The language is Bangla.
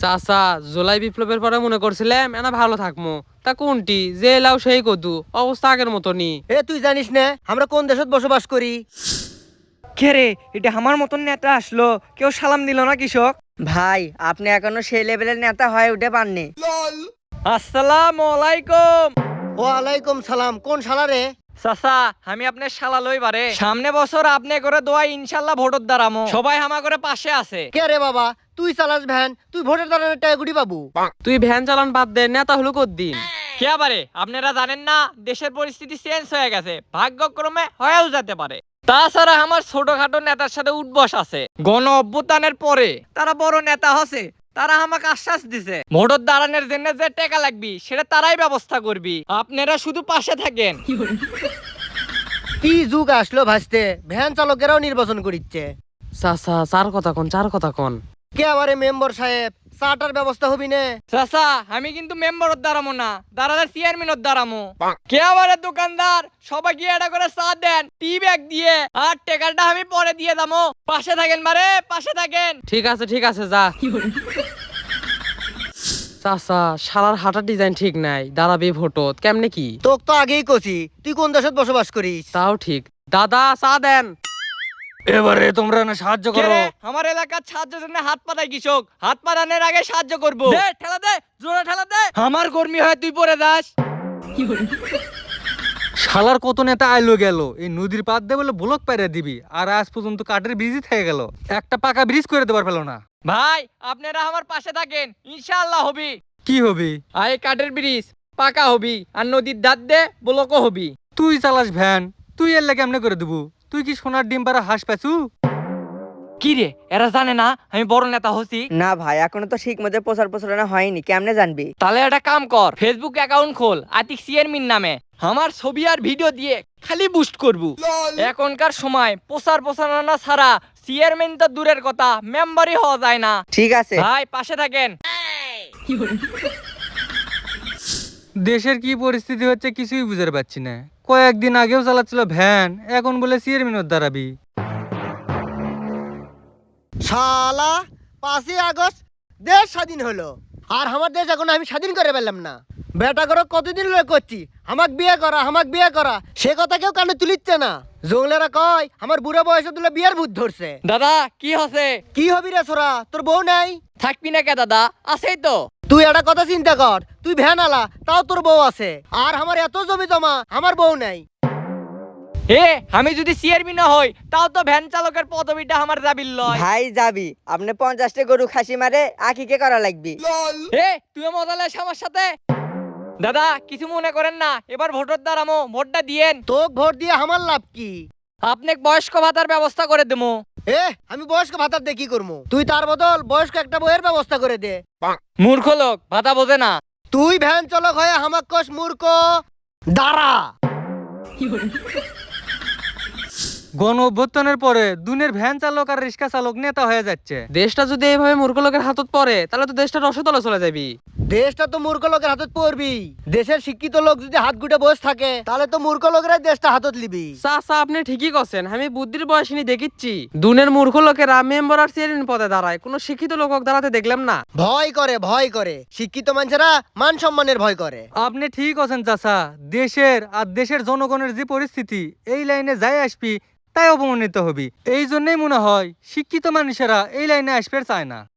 চাচা, জুলাই বিপ্লবের পরে মনে করছিলাম এনা ভালো থাকমু, তা কোনটি যে এলাও সেই কদু অবস্থা আগের মতনই। তুই জানিস না আমরা কোন দেশত বসবাস করি? কে রে, এটা আমার মতন নেতা আসলো, কেউ সালাম দিল না কৃষক? ভাই আপনি এখনো সেই লেভেলের নেতা হয়ে উঠে পাননি। আসসালামু আলাইকুম। ওয়ালাইকুম সালাম। কোন শালা রে? চাচা, আমি আপনার শালা লই বারে সামনে বছর আপনি করে দোয়া ইনশাল্লাহ ভোটর দ্বারামো সবাই আমা করে পাশে আছে। কে রে বাবা? তুই চালাস ভ্যান, তুই ভোটের দাঁড়ানোর টাকা গুড়ি পাবো। তুই ভ্যান চালান বাদ দে, নেতা হলো কদ্দিন। কে আবারে আপনারা জানেন না দেশের পরিস্থিতি চেঞ্জ হয়ে গেছে, ভাগ্যক্রমে হয়েও যেতে পারে। তাছাড়া আমার ছোটখাটো নেতার সাথে উঠবস আছে। গণ অভ্যুত্থানের পরে তারা বড় নেতা হচ্ছে, তারা আমাকে আশ্বাস দিছে ভোটর দাঁড়ানোর জন্য যে টাকা লাগবে সেটা তারাই ব্যবস্থা করবি, আপনারা শুধু পাশে থাকেন। কি যুগ আসলো ভাসতে, ভ্যান চালকেরাও নির্বাচন করিচ্ছে। চাচা, চার কথা কন, চার কথা কন। কে আবারে মেম্বার সাহেব, চাটার ব্যবস্থা হবি না? চাচা, আমি কিন্তু মেম্বারত দাঁড়ামো না, দাঁড়ালে চেয়ারম্যানত দাঁড়ামো। কে আবারে দোকানদার সবাই গিয়ে এটা করে চা দেন টি ব্যাগ দিয়ে, আর টাকাটা আমি পরে দিয়ে দামো। পাশে থাকেন মারে, পাশে থাকেন। ঠিক আছে ঠিক আছে, যা। চাচা, শালার হাঁটার ডিজাইন ঠিক নাই, দাঁড়াবি ভোটত কেমনে কি? তোক তো আগেই কছি তুই কোন দেশত বসবাস করিস। তাও ঠিক। দাদা, চা দেন। এবারে তোমরা না সাহায্য করো। আমার এলাকার সাহায্যের জন্য হাত পাতায় কৃষক, হাত পাতানোর আগে সাহায্য করবো। দে ঠেলা দে, জোরে ঠেলা দে। আমার কর্মী হয় তুই পরে যাস। শালার কত নেতা আইলো গেল, এই নদীর পাত দিয়ে বলে ব্লক পেরে দিবি, আর আজ পর্যন্ত কাঠের ব্রিজই থেকে গেল, একটা পাকা ব্রিজ করে দেবার পেল না। ভাই আপনারা আমার পাশে থাকেন, ইনশাআল্লাহ হবি। কি হবি? আয় কাঠের ব্রিজ পাকা হবি, আর নদীর ধার দে ব্লকও হবি। তুই চালাস ভ্যান, তুই এর লাগে কেমনে করে দেবো? তুই কি সোনার ডিম পাড়া হাঁস পাচু? কি রে, এরা জানে না আমি বড় নেতা হচ্ছি? না ভাই, এখনো তো ঠিক মতো প্রচার প্রচারণা হয়নি, কেমনে জানবি? তাহলে একটা কাম কর, ফেসবুক অ্যাকাউন্ট খোল আতিক চেয়ারম্যান নামে, আমার ছবি আর ভিডিও দিয়ে খালি বুস্ট করবো। এখনকার সময় প্রচার প্রচারণা ছাড়া চেয়ারম্যান তো দূরের কথা, মেম্বারই হওয়া যায় না। ঠিক আছে ভাই পাশে থাকেন। দেশের কি পরিস্থিতি হচ্ছে কিছুই বুঝতে পারছি না। কয়েকদিন আগেও চালাচ্ছিল ভ্যান, এখন বলে চেয়ারম্যানের দাঁড়াবি। শালা 5ই আগস্ট দেশ স্বাধীন হলো, আর আমার দেশ এখন আমি স্বাধীন করে পেলাম না। বেটা করো কতদিন লোক করছি আমাক বিয়ে করা, আমাক বিয়ে করা, সে কথা কেউ কানে তুলিচ্ছে না। জঙ্গলেরা কয় আমার বুড়ো বয়সে তুলে বিয়ের ভূত ধরছে। দাদা কি হচ্ছে? কি হবি রে ছোরা, তোর বউ নাই? থাকবি না কে দাদা? আছেই তো। তুই একটা কথা চিন্তা কর, তুই ভ্যান আলা তাও তোর বউ আছে, আর আমার এত জমি জমা আমার বউ নাই। আমি যদি চেয়ারম্যান না হই তাও তো ভ্যান চালকের পদবিটা আমার যাবিল লয়। ভাই যাবি, আপনি 50টা গরু খাসি মারে আকিকে করা লাগবি। তুই মজা লাস আমার সাথে। দাদা কিছু মনে করেন না, এবার ভোটের দ্বারামো, ভোটটা দিয়েন। তোক ভোট দিয়ে আমার লাভ কি? আপনাকে বয়স্ক ভাতার ব্যবস্থা করে দেবো। আমি বয়স্ক ভাতার দিয়ে কি করবো? তুই তার বদল বয়স্ক একটা বইয়ের ব্যবস্থা করে দে। মূর্খ লোক, ভাতা বোঝে না। তুই ভ্যান চালক হয়ে হামাক কস মূর্খ? দাঁড়া। গণ অভ্যুত্থানের পরে দুনের ভ্যান চালক আর রিক্সা চালক নেতা হয়ে যাচ্ছে। দেশটা যদি এইভাবে মূর্খ লোকের হাতত পড়ে তাহলে তো দেশটা রসতলে চলে যাবি। দেশটা তো মূর্খ লোকের হাতত পড়বি। দেশের শিক্ষিত লোক যদি হাত গুটে বসে থাকে তাহলে তো মূর্খ লোকেরাই দেশটা হাতত লিবি। চাচা, আপনি ঠিকই করছেন, আমি বুদ্ধির বয়সিনী দেখিচ্ছি। দুনের মূর্খ লোকেরা মেম্বার আর চেয়ারম্যান পদে দাঁড়ায়, কোনো শিক্ষিত লোক দাঁড়াতে দেখলাম না। ভয় করে, ভয় করে। শিক্ষিত মানুষেরা মান সম্মানের ভয় করে। আপনি ঠিক আছেন চাচা, দেশের আর দেশের জনগণের যে পরিস্থিতি, এই লাইনে যাই আসবি তাই অপমানিত হবি। এই জন্যই মনে হয় শিক্ষিত মানুষেরা এই লাইনে আসবে চায় না।